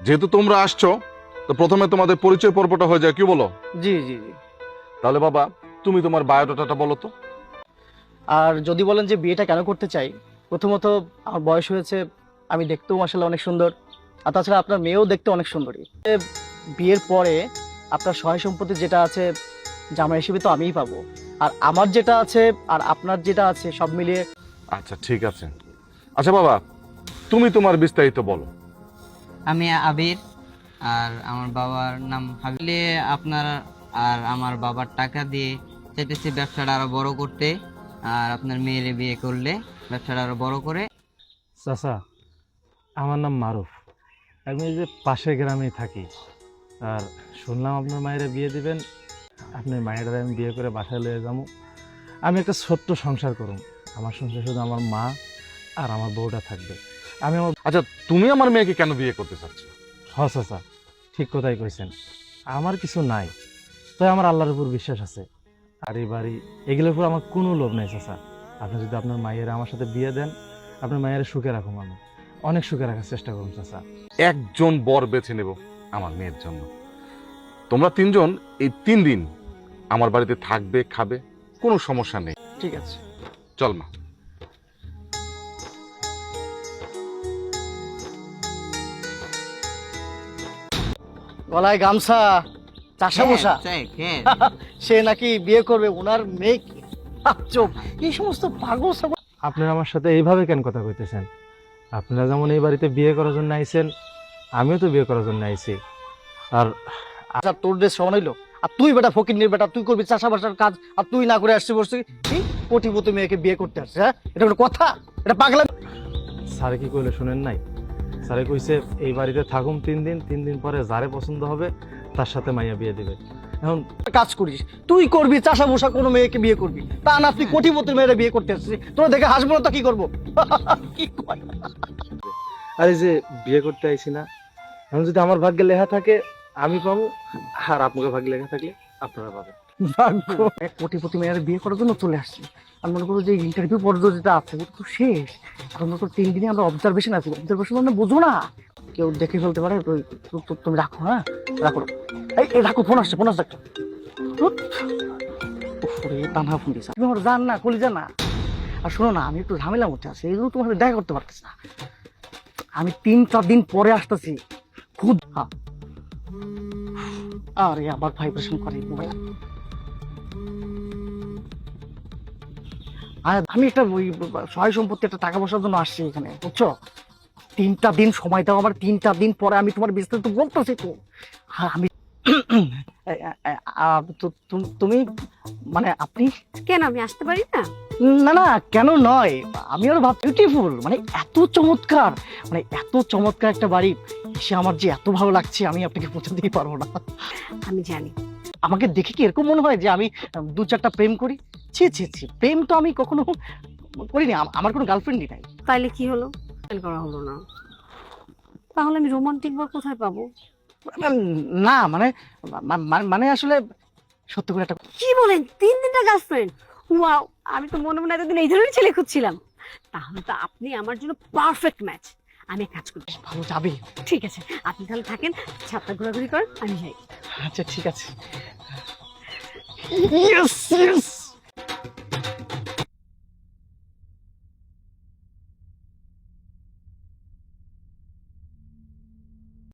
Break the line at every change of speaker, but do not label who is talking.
যেহেতু তোমরা আসছো, তো প্রথমে তোমাদের পরিচয় পর্বটা হয়ে যায়, কি বলো?
জি জি জি।
তাহলে বাবা, তুমি তোমার বায়োডাটাটা বলো তো।
আর যদি বলেন যে বিয়েটা কেন করতে চাই, প্রথমত আমার বয়স হয়েছে, আমি দেখতেও মাশাআল্লাহ অনেক সুন্দর, আর তাছাড়া আপনার মেয়েও দেখতে অনেক সুন্দরী। বিয়ের পরে আপনার সহায় সম্পত্তি যেটা আছে জামাই হিসেবে তো আমিই পাবো, আর আমার যেটা আছে আর আপনার যেটা আছে সব মিলিয়ে।
আচ্ছা ঠিক আছে। আচ্ছা বাবা, তুমি তোমার বিস্তারিত বলো।
আমি আবির, আর আমার বাবার নাম হাবিলে। আপনার আর আমার বাবার টাকা দিয়ে চাইতেছি ব্যবসাটা আরো বড় করতে, আর আপনার মেয়েরে বিয়ে করলে ব্যবসাটা আরো বড় করে।
চাচা, আমার নাম মারুফ, আমি এই যে পাশের গ্রামেই থাকি। আর শুনলাম আপনার মায়েরা বিয়ে দিবেন, আপনার মায়েরা আমি বিয়ে করে বাসায় লয়ে যাবো। আমি একটা ছোট্ট সংসার করুম, আমার সংসার শুধু আমার মা আর আমার বউটা থাকবে। আমি আমার
আচ্ছা, তুমি আমার মেয়েকে কেন বিয়ে করতে চাচ্ছ?
চাচা ঠিক কথাই কইছেন, আমার কিছু নাই, তাই আমার আল্লাহর উপর বিশ্বাস আছে। আর এই বাড়ি এগুলোর উপর আমার কোনো লোভ নাই চাচা। আপনি যদি আপনার মায়েরা আমার সাথে বিয়ে দেন, আপনার মায়েরা সুখে রাখুন, আমি অনেক সুখে রাখার চেষ্টা করুন চাচা।
একজন বর বেছে নেব আমার মেয়ের জন্য। তোমরা তিনজন এই 3 দিন আমার বাড়িতে থাকবে, খাবে, কোনো সমস্যা নেই।
ঠিক আছে।
চল মা।
গলায় গামছা, চাষা বসা, সে নাকি বিয়ে করবে ওনার মেয়েকে। চোখ, এই সমস্ত পাগল ছাগল।
আপনারা আমার সাথে এইভাবে কেন কথা কইতেছেন? আপনারা যেমন এই বাড়িতে বিয়ে করার জন্য আইছেন, আমিও তো বিয়ে করার জন্য আইছি। আর
আচ্ছা, তোর দেশ সমান হইলো, আর তুই বেটা ফকিন্নির বেটা, তুই করবি চাষাবাসার কাজ, আর তুই না করে আসছিস বসছিস কি কোটিপতি মেয়েকে বিয়ে করতে আসছিস? হ্যাঁ, এটা কোনো কথা? এটা পাগলা।
স্যারে কি কইলে শুনেন নাই? স্যারে কইছে এই বাড়িতে থাকুম 3 দিন, 3 দিন পরে যারে পছন্দ হবে তার সাথে মাইয়া বিয়ে দিবে। এখন
কাজ করিস, তুই করবি চাষা বসা কোনো মেয়েকে বিয়ে করবি, তা না তুই কোটিপতির মেয়েরা বিয়ে করতে আসছিস? তোরা দেখে হাসবো না তো কি করবো? কি কয়?
আর এই যে বিয়ে করতে আইছি না, এখন যদি আমার ভাগ্যে লেখা থাকে আমি পাবো, আর আপনাকে ভাগ্যে লেখা থাকলে আপনারা পাবেন।
ভাগ্য। এক কোটিপতি মেয়েরা বিয়ে করার জন্য চলে আসছি, আর মনে করো যে ইন্টারভিউ পর্যন্ত যেটা আছে ওটা তো শেষ। এখন মনে করো 3 দিনে আমরা অবজারভেশন আছি, অবজারভেশন মানে বুঝো না, কেউ দেখে ফেলতে পারে। তুমি রাখো, হ্যাঁ রাখো। এই রাখো, ফোন আসছে, ফোন আসছে একটা। টানা ফোন দিয়েছে, তুমি আমার জান না, কলিজা না। আর শোনো না, আমি একটু ঝামেলার মধ্যে আছি, এগুলো তোমার সাথে দেখা করতে পারতেছি না। আমি 3-4 দিন পরে আসতেছি খুব। আরে আবার ভাইব্রেশন করে মোবাইল। আমি একটা ওই সহায় সম্পত্তি, একটা টাকা পয়সার জন্য আসছি এখানে, বুঝছো? 3টা দিন সময় দাও আমার, 3টা দিন পরে আমি তোমার বিস্তারিত বলতেছি তো। আমি তুমি মানে আপনি?
কেন আমি আসতে পারি না?
না না, কেন নয়, আমি আরো ভাব বিউটিফুল, মানে এত চমৎকার, মানে এত চমৎকার একটা বাড়ি এসে আমার যে এত ভালো লাগছে, আমি আপনাকে পৌঁছাতেই পারবো না।
আমি জানি।
আমাকে দেখে কি এরকম মনে হয় যে আমি 2-4টা প্রেম করি? ছি ছি ছি, প্রেম তো আমি কখনো করিনি, আমার কোনো গার্লফ্রেন্ডই নাই।
তাইলে কি হলো? ফেল করা হলো না, তাহলে আমি রোমান্টিক বর কোথায় পাবো?
না মানে মানে আসলে সত্য করে একটা।
কি বলেন, 3 দিনটা গার্লফ্রেন্ড? ওয়াও, আমি তো মনে মনে এতদিন এই ধরনের ছেলে খুঁজছিলাম। তাহলে তো আপনি আমার জন্য পারফেক্ট ম্যাচ। আমি এক কাজ করি,
ভালো যাবে।
ঠিক আছে আপনি তাহলে থাকেন, ছাদটা ঘোরাঘুরি করেন, আমি যাই।
আচ্ছা ঠিক আছে। Yes yes.